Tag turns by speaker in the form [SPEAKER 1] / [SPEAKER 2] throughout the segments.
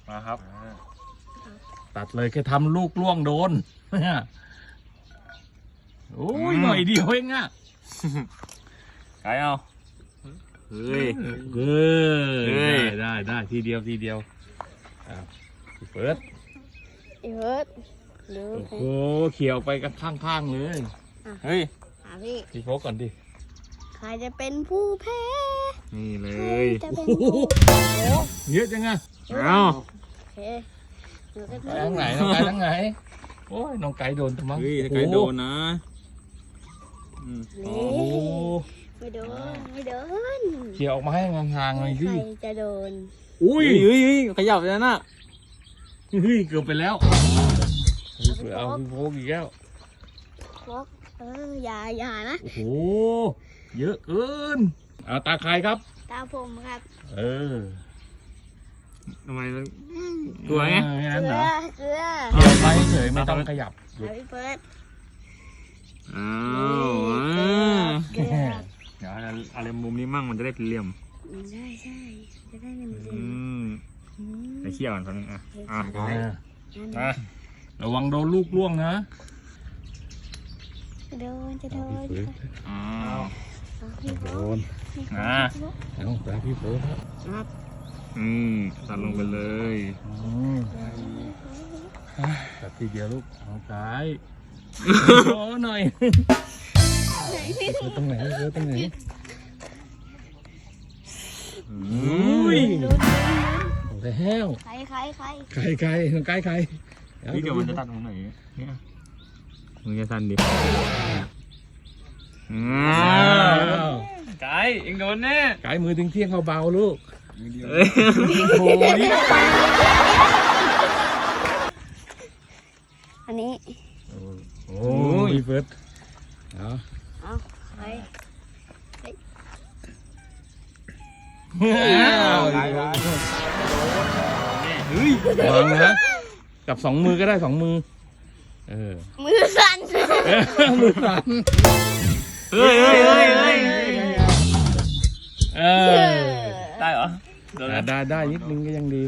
[SPEAKER 1] มาครับ
[SPEAKER 2] ตัดเลยแค่ทำลูกล่วงโดนโอ้ยหน่อยเดียวเองอ่ะ
[SPEAKER 1] ไก่เอาเฮ้ย
[SPEAKER 2] ได้ทีเดียวพี่เฟิร์ส
[SPEAKER 3] อีเวิร์ดดู
[SPEAKER 2] โอ้โหเขี่ยวไปกันข้างๆเลย
[SPEAKER 1] เฮ้ย
[SPEAKER 2] พี่โฟกก่อนดิ
[SPEAKER 3] ใครจะเป็นผู้แพ้
[SPEAKER 1] นี่เล
[SPEAKER 3] ใคร
[SPEAKER 1] ย
[SPEAKER 3] จะเป็นผู้
[SPEAKER 2] เยอะจังอะ
[SPEAKER 1] เอา
[SPEAKER 3] โอเคหนูก็
[SPEAKER 2] ไปทางไหนน้องไก่ทางไหนโอ้ยน้องไก่โดนทำไม
[SPEAKER 1] เฮ้ยถ้าไก่โดนนะ
[SPEAKER 2] โอ้
[SPEAKER 3] นี่
[SPEAKER 2] โห
[SPEAKER 3] ไม่โดนไม่โดน
[SPEAKER 2] เขี่ยวออกมาให้ห่างๆหน่อย
[SPEAKER 3] ใค
[SPEAKER 2] สิ
[SPEAKER 3] รจะโดน
[SPEAKER 2] อุ้ย
[SPEAKER 1] เฮ้ยขยับเลยนะ
[SPEAKER 2] เฮ้ยเกือบไปแล้วเอาพี่โฟกอีกแล้ว
[SPEAKER 3] ฟอกอย่านะ
[SPEAKER 2] โอ้โหเยอะเกินเอาตาใครครับ
[SPEAKER 3] ตาผมครับ
[SPEAKER 2] เออ
[SPEAKER 1] ทำไมกลัวไง
[SPEAKER 2] แค่
[SPEAKER 3] เก
[SPEAKER 2] นั้น
[SPEAKER 3] ลื
[SPEAKER 2] เหร
[SPEAKER 3] อ
[SPEAKER 2] อ
[SPEAKER 3] เกลือ
[SPEAKER 2] เขี่ยวไปเฉยไม่ต้องขยับ
[SPEAKER 3] เอาพี่เฟิร์ส
[SPEAKER 1] อ้าว
[SPEAKER 3] เกลือ
[SPEAKER 1] เดี๋ยวอะไรมุมนี้มั่งมันจะได้เป็นเหลี่ยม
[SPEAKER 3] ใช่จะได้เงินเดือ
[SPEAKER 1] อื
[SPEAKER 3] น
[SPEAKER 1] มไปเขี่ยวกันคนนึงอ่ะอ่ะ
[SPEAKER 2] อ่ะระวังโดนลูกล่วงนะ
[SPEAKER 3] โดนจะโดน
[SPEAKER 1] อ้าว
[SPEAKER 3] พี่โฟ
[SPEAKER 2] โดน
[SPEAKER 1] อ่ะ
[SPEAKER 2] เอาตาพี่โฟกครับ
[SPEAKER 3] ครับ
[SPEAKER 1] ตัดลงไปเลย
[SPEAKER 2] ตัดทีเดียวลูกเอาซ้ายโอ้หน่อยตรงไหนตรงไหน อุ้ย
[SPEAKER 3] ลุ้น
[SPEAKER 2] แล้ว
[SPEAKER 3] ใคร
[SPEAKER 2] ใครน้องไก่ใคร
[SPEAKER 1] พี่เดี๋ยวมันจะตัดตรงไหนเนี่ยมึงจะตัดดิไก่เอ็งโดนแน่
[SPEAKER 2] ไก่มือถึงเที่ยงเบาๆลูก
[SPEAKER 1] เฮ้ย
[SPEAKER 2] โอ้ย
[SPEAKER 3] อันนี้
[SPEAKER 2] โอ้ยพี่เฟิร์สเอา
[SPEAKER 3] เอาไป
[SPEAKER 2] เฮ้ยวางนะกับ2 มือก็ได้2 มือ
[SPEAKER 3] มือสั่น
[SPEAKER 2] มือสั่น
[SPEAKER 1] เฮ้ย ได้เหรอ
[SPEAKER 2] ได้นิดนึงก็ยังดี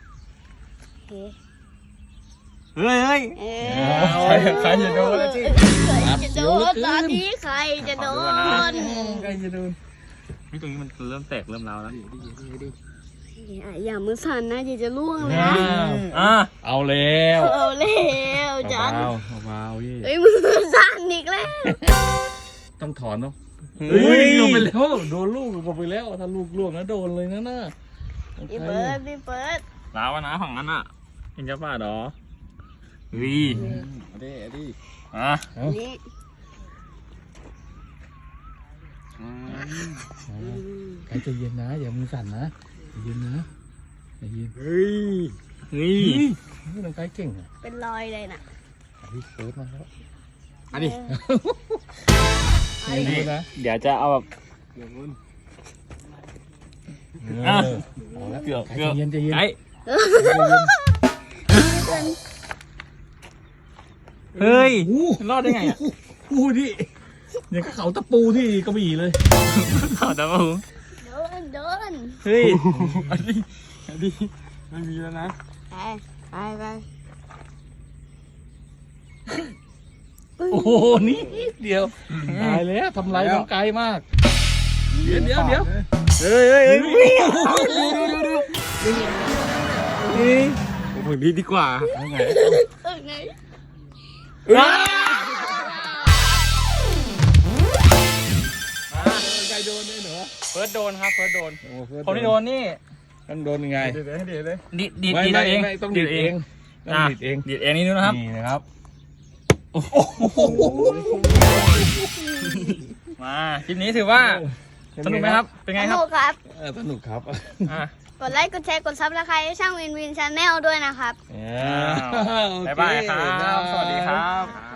[SPEAKER 1] เฮ้ย
[SPEAKER 2] ใครจะโดนแล้วสิ
[SPEAKER 3] ใครจะโดนตอนนี้ใครจะโดน
[SPEAKER 2] ใครจะโดน
[SPEAKER 1] นี่ตรงนี้มันเริ่มแตกเริ่มร้าวแล้ว
[SPEAKER 3] อย่ามือสั่นนะเดี๋ยวจะล่วงเลยนะ
[SPEAKER 2] เอาแล้ว
[SPEAKER 3] เอาเร็วจัง
[SPEAKER 2] เบาๆยี่
[SPEAKER 3] เฮ้ยมือสั่นอีกแล้ว
[SPEAKER 2] ต้องถอนเนาะเฮ้ยลงไปแล้วโดนลูกลงไปแล้วถ้าลูกล่วงนะโดนเลยนะน่ะ
[SPEAKER 3] พี่เปิด
[SPEAKER 1] ร้าวนะฝั่งนั้นอ่ะเห็นจะป่าดอวีดิอ่ะ
[SPEAKER 3] นี่
[SPEAKER 2] ใครจะเย็นนะอย่ามือสั่นนะเย็นนะเย็น
[SPEAKER 1] เฮ้ยนี่
[SPEAKER 2] นี่น้องไก่เก่งอ่ะ
[SPEAKER 3] เป็นรอยเลยน่ะ
[SPEAKER 2] พี่เฟิร์สมาแล้ว
[SPEAKER 1] อันนี้
[SPEAKER 2] นี่นะ
[SPEAKER 1] เดี๋ยวจะเอาแบบ เกือบ
[SPEAKER 2] ใจเย็นใจเย็น
[SPEAKER 1] ไอ้เฮ้ยรอดได้ไงอ่ะ
[SPEAKER 2] พูดดิอย่างเขาตะปูที่กระบี่เลย
[SPEAKER 1] ถอดแล้วมึง
[SPEAKER 3] โดน
[SPEAKER 1] เฮ้ยอันนี้ไม่มีแล้วนะ
[SPEAKER 3] ไป
[SPEAKER 2] โอ้โหนี่เดียวตายแล้วทำลายน้องไก่มากเดี๋ยว
[SPEAKER 1] เฮ้ยผมดีดีกว่า
[SPEAKER 2] เอาไง
[SPEAKER 3] ไหน
[SPEAKER 2] ไก่โดนได้เหรอ
[SPEAKER 1] เฟิร์สโดนครับเฟิร์สโดน
[SPEAKER 2] โอ้เฟิร์ส
[SPEAKER 1] คนที่โดนนี่
[SPEAKER 2] มันโดนยังไง
[SPEAKER 1] ดีดเอง
[SPEAKER 2] ไม่ต้องดีดเองต้องดีดเอง
[SPEAKER 1] ดีดเองนี่นะครับ
[SPEAKER 2] นี่นะครับ
[SPEAKER 1] มาคลิปนี้ถือว่าสนุกไหมครับ เป็นไงครับ
[SPEAKER 3] ครับ
[SPEAKER 2] สนุกครับ
[SPEAKER 3] กดไลค์กดแชร์กดซับสไครต์ให้ช่างวินชาแนลด้วยนะครับ
[SPEAKER 1] บ๊ายบายครับ สวัสดีครับ